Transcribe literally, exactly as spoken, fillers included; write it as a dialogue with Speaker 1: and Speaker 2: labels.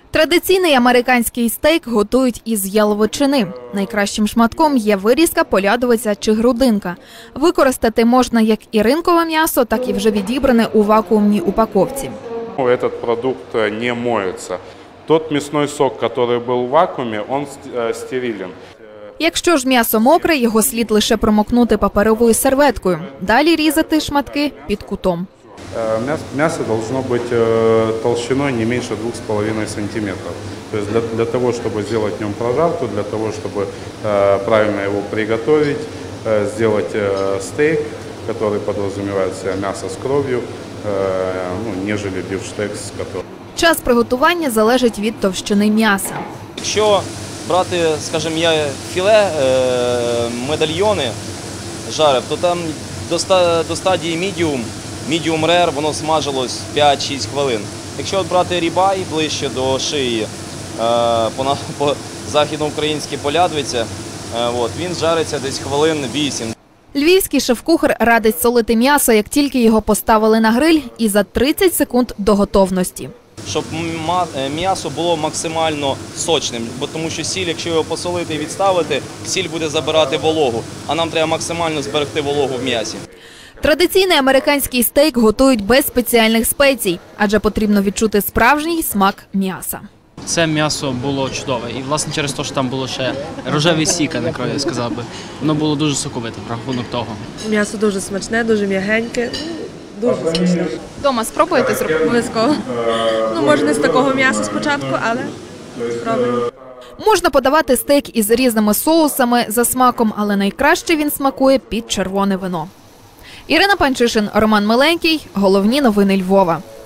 Speaker 1: Традиційний американський стейк готують із яловичини. Найкращим шматком є вирізка, полядовиця чи грудинка. Використати можна як і ринкове м'ясо, так і вже відібране у вакуумній упаковці.
Speaker 2: Этот продукт не моется. Тот мясной сок, который был в вакууме, он стерилен.
Speaker 1: Якщо ж м'ясо мокре, його слід лише промокнути паперовою серветкою. Далі різати шматки під кутом.
Speaker 2: Мясо должно быть толщиной не меньше двух с половиной сантиметров. То есть для, для того, чтобы сделать в нем прожарку, для того, чтобы правильно его приготовить, сделать стейк, который подразумевает в себя мясо с кровью, ну, нежели бифштекс с которым.
Speaker 1: Час приготування залежить від товщини м'яса.
Speaker 3: Якщо брати, скажімо, філе, медальйони жарив, то там до стадії мідіум, мідіум рер, воно смажилось п'ять-шість хвилин. Якщо брати рібай ближче до шиї, по, по західноукраїнській полядвиця, він жариться десь хвилин вісім.
Speaker 1: Львівський шеф-кухар радить солити м'ясо, як тільки його поставили на гриль, і за тридцять секунд до готовності.
Speaker 3: Щоб м'ясо було максимально сочним, бо тому що сіль, якщо його посолити і відставити, сіль буде забирати вологу, а нам треба максимально зберегти вологу в м'ясі.
Speaker 1: Традиційний американський стейк готують без спеціальних спецій, адже потрібно відчути справжній смак м'яса.
Speaker 4: Це м'ясо було чудове. І, власне, через те, що там було ще рожевий сік, а не кров, я сказав би. Воно було дуже соковите, в рахунок того.
Speaker 5: М'ясо дуже смачне, дуже м'ягеньке, дуже смачне.
Speaker 1: Дома спробуєте зробити?
Speaker 5: Обов'язково. Ну, може, не з такого м'яса спочатку, але спробуємо.
Speaker 1: Можна подавати стейк із різними соусами за смаком, але найкраще він смакує під червоне вино. Ірина Панчишин, Роман Миленький. Головні новини Львова.